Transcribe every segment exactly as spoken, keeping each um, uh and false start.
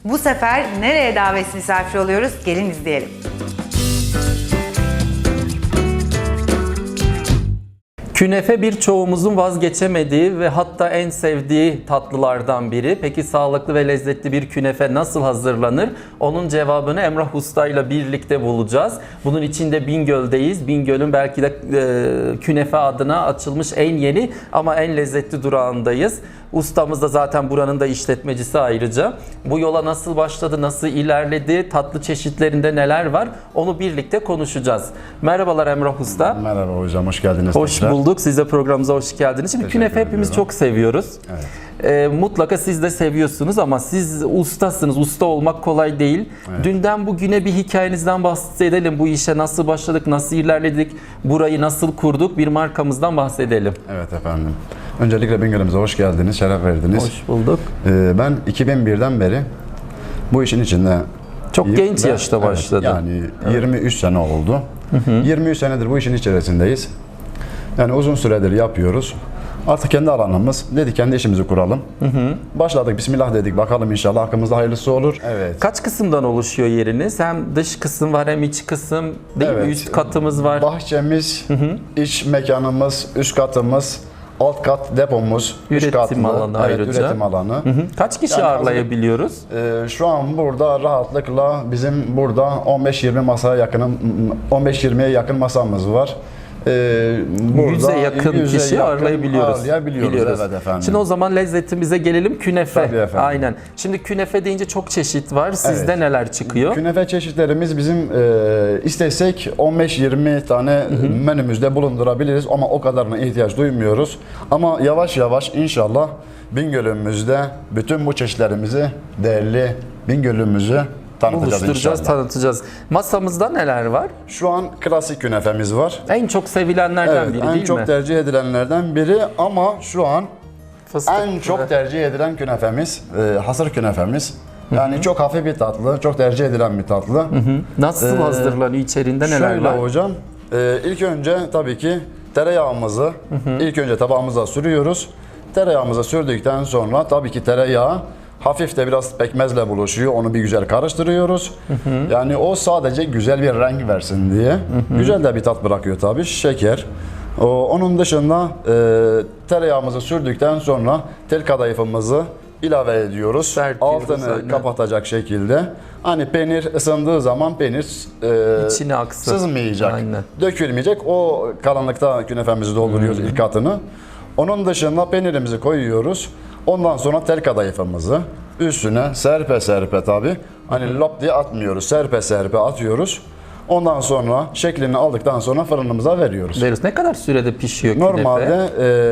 Bu sefer nereye davet misafir oluyoruz? Gelin izleyelim. Künefe birçoğumuzun vazgeçemediği ve hatta en sevdiği tatlılardan biri. Peki sağlıklı ve lezzetli bir künefe nasıl hazırlanır? Onun cevabını Emrah Usta ile birlikte bulacağız. Bunun için de Bingöl'deyiz. Bingöl'ün belki de e, künefe adına açılmış en yeni ama en lezzetli durağındayız. Ustamız da zaten buranın da işletmecisi ayrıca. Bu yola nasıl başladı, nasıl ilerledi, tatlı çeşitlerinde neler var onu birlikte konuşacağız. Merhabalar Emrah Usta. Merhaba hocam, hoş geldiniz. Hoş tekrar. bulduk. Siz de programımıza hoş geldiniz. Şimdi Teşekkür künefe hepimiz ediyorum. çok seviyoruz. Evet. Ee, mutlaka siz de seviyorsunuz ama siz ustasınız. Usta olmak kolay değil. Evet. Dünden bugüne bir hikayenizden bahsedelim. Bu işe nasıl başladık, nasıl ilerledik, burayı nasıl kurduk, bir markamızdan bahsedelim. Evet efendim. Öncelikle Bingöl'ümüze hoş geldiniz, şeref verdiniz. Hoş bulduk. Ee, ben iki bin birden beri bu işin içinde... Çok y- genç ve- yaşta evet, başladı. Yani yirmi üç sene oldu. Hı hı. yirmi üç senedir bu işin içerisindeyiz. Yani uzun süredir yapıyoruz. Artık kendi alanımız. Dedik kendi işimizi kuralım. Hı hı. Başladık, bismillah dedik. Bakalım inşallah hakkımızda hayırlısı olur. Evet. Kaç kısımdan oluşuyor yeriniz? Hem dış kısım var hem iç kısım değil Evet. mi? Üst katımız var. Bahçemiz, iç mekanımız, üst katımız, alt kat depomuz, üç Üretim katlı, alanı evet, ayrıca. üretim alanı. Hı hı. Kaç kişi Yani ağırlayabiliyoruz? Ee, şu an burada rahatlıkla bizim burada on beş yirmi masaya yakın, on beş yirmiye yakın masamız var. Ee, burada Yüze yakın yüze kişi yakın ağırlayabiliyoruz. ağırlayabiliyoruz, Biliyoruz. evet efendim. Şimdi o zaman lezzetimize gelelim, künefe. Tabii efendim. Aynen. Şimdi künefe deyince çok çeşit var. Sizde Evet. neler çıkıyor? Künefe çeşitlerimiz bizim e, istesek on beş yirmi tane menümüzde bulundurabiliriz ama o kadarına ihtiyaç duymuyoruz. Ama yavaş yavaş inşallah Bingöl'ümüzde bütün bu çeşitlerimizi değerli Bingöl'ümüzü tanıtacağız Buluşturacağız, inşallah. tanıtacağız. Masamızda neler var? Şu an klasik künefemiz var. En çok sevilenlerden Evet, biri en değil çok mi? tercih edilenlerden biri ama şu an Fıstık en çok tercih edilen künefemiz, e, hasır künefemiz. Yani çok hafif bir tatlı, çok tercih edilen bir tatlı. Hı. Nasıl Ee, hazırlanıyor? İçerinde neler Şöyle var? hocam, e, ilk önce tabii ki tereyağımızı ilk önce tabağımıza sürüyoruz. Tereyağımıza sürdükten sonra tabii ki tereyağı hafif de biraz pekmezle buluşuyor. Onu bir güzel karıştırıyoruz. Yani o sadece güzel bir renk versin diye. Güzel de bir tat bırakıyor tabii. Şeker. O, onun dışında e, tereyağımızı sürdükten sonra tel kadayıfımızı ilave ediyoruz. Serpiyoruz, Altını aynen. kapatacak şekilde. Hani peynir ısındığı zaman peynir e, İçine aksın. sızmayacak, Aynen. dökülmeyecek. O karanlıkta künefemizi dolduruyoruz ilk katını. Onun dışında peynirimizi koyuyoruz. Ondan sonra tel kadayıfımızı üstüne serpe serpe tabi. Hani lop diye atmıyoruz. Serpe serpe atıyoruz. Ondan sonra şeklini aldıktan sonra fırınımıza veriyoruz. Veriyoruz. Ne kadar sürede pişiyor künefe? Normalde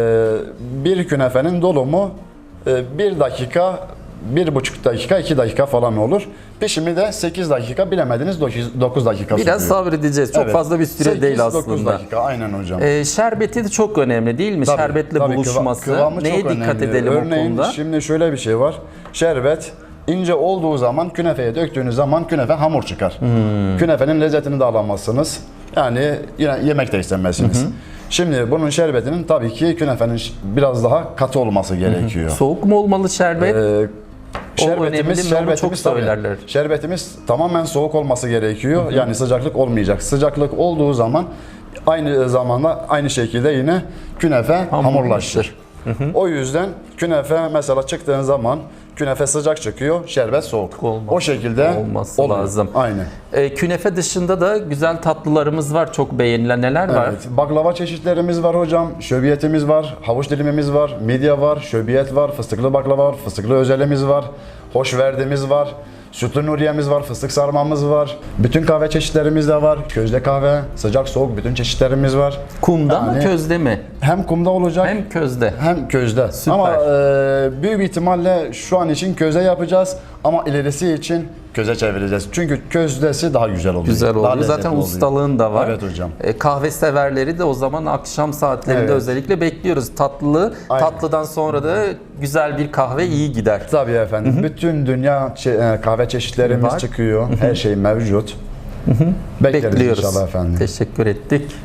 e, bir künefenin dolumu e, bir dakika, bir buçuk dakika, iki dakika falan olur. Pişimi de sekiz dakika, bilemediniz dokuz dakika sürüyor. Biraz sabredeceğiz. Çok Evet. fazla bir süre sekiz değil dokuz aslında. dakika, aynen hocam. Ee, şerbeti de çok önemli değil mi? Tabii, Şerbetle tabii, kıva- buluşması. kıvamı Neye çok dikkat önemli. edelim Örneğin, o konuda? şimdi şöyle bir şey var. Şerbet ince olduğu zaman künefeye döktüğünüz zaman künefe hamur çıkar. Hmm. Künefenin lezzetini de alamazsınız. Yani yine yemek de istemezsiniz. Şimdi bunun şerbetinin tabii ki künefenin ş- biraz daha katı olması gerekiyor. Soğuk mu olmalı şerbet? Ee, önemli şerbetimiz, değil mi? Onu çok şerbetimiz tabii, söylerler. şerbetimiz tamamen soğuk olması gerekiyor. Yani sıcaklık olmayacak. Sıcaklık olduğu zaman aynı zamanda aynı şekilde yine künefe hamurlaşır. O yüzden künefe mesela çıktığın zaman künefe sıcak çıkıyor, şerbet soğuk. Olmaz. O şekilde Olması oluyor. lazım. Aynen. Ee, künefe dışında da güzel tatlılarımız var. Çok beğenilen neler var? Evet, baklava çeşitlerimiz var hocam. Şöbiyetimiz var, havuç dilimimiz var, midye var, şöbiyet var, fıstıklı baklava var, fıstıklı özelimiz var, hoşverdimiz var, sütlü nuriyemiz var, fıstık sarmamız var. Bütün kahve çeşitlerimiz de var. Közde kahve, sıcak soğuk bütün çeşitlerimiz var. Kumda mı Yani közde mi? Hem kumda olacak Hem közde. hem közde. Süper. Ama e, büyük bir ihtimalle şu an için köze yapacağız ama ilerisi için köze çevireceğiz. Çünkü közdesi daha güzel oluyor. Güzel Daha oluyor. lezzetli Zaten oluyor. ustalığın da var. Evet hocam. E, kahve severleri de o zaman akşam saatlerinde Evet. özellikle bekliyoruz. Tatlı, Aynen. tatlıdan sonra da güzel bir kahve iyi gider. Tabii efendim. Bütün dünya çe- e, kahve çeşitlerimiz Var. çıkıyor. Her şey mevcut. Bekleriz Bekliyoruz. inşallah efendim. Teşekkür ettik.